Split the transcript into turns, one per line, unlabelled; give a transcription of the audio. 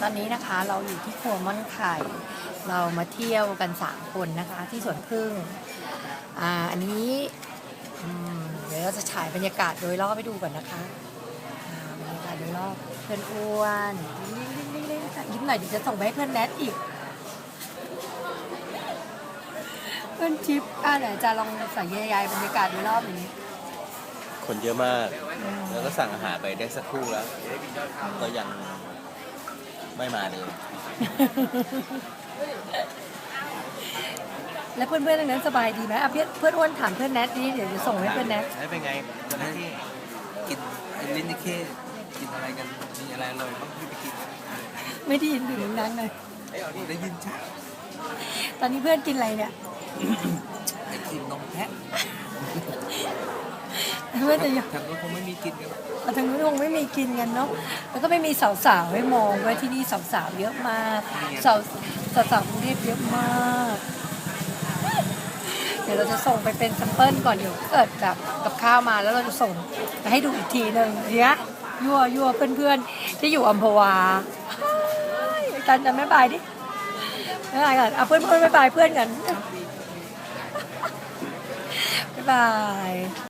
อนนี้นะคะเราอยู่ที่ครัวม่อนไข่เรามาเที่ยวกัน3คนนะคะที่สวนพึ่งอันนี้เดี๋ยวเราจะฉายบรรยากาศโดยรอบไปดูก่อนนะคะบรรยากาศโดยรอบเพื่อนอ้วนยิ้มหน่อยดิจะส่งไปให้เพื่อนแนทอีกเพื่อนชิปไหนจะลองใส่ยายบรรยากาศโดยรอบอย่างนี้
คนเยอะมาก แล้วก็สั่งอาหารไปได้สักครู่แล้ว ก็ยังไม่มาเลย
แล้วเพื่อนๆทั้งนั้นสบายดีไหมเพื่อนอ้วนถามเพื่อนแนทนี่เดี๋ยวจะส่งให้เพื่อนแนท
เป็นไงตอนที่
กินไอ้ลิ้นนี่แค่กินอะไรกันมีอะไรอร่อยบ้างที่ไปกิน
ไม่ได้ยินถึงนั้นเลย
ได้ยินชัด
ตอนนี้เพื่อนกินอะไรเนี่ย
ไอติมนมแพะ
เพื่อนจะยัง
ทางนู้นคงไม่มีกินกัน
ทางนู้นคงไม่มีกินกันเนาะแล้วก็ไม่มีสาวๆให้มองไว้ที่นี่สาวๆเยอะมากสาวกรุงเทพเยอะมากเดี๋ยวเราจะส่งไปเป็นแซมเปิลก่อนเดี๋ยวเกิดแบบกับข้าวมาแล้วเราจะส่งไปให้ดูอีกทีหนึ่งเนี้ยยั่วเพื่อนๆที่อยู่อัมพวาจันจะไม่บายดิไม่บายกันเพื่อนไม่บายเพื่อนกันบ๊ายบาย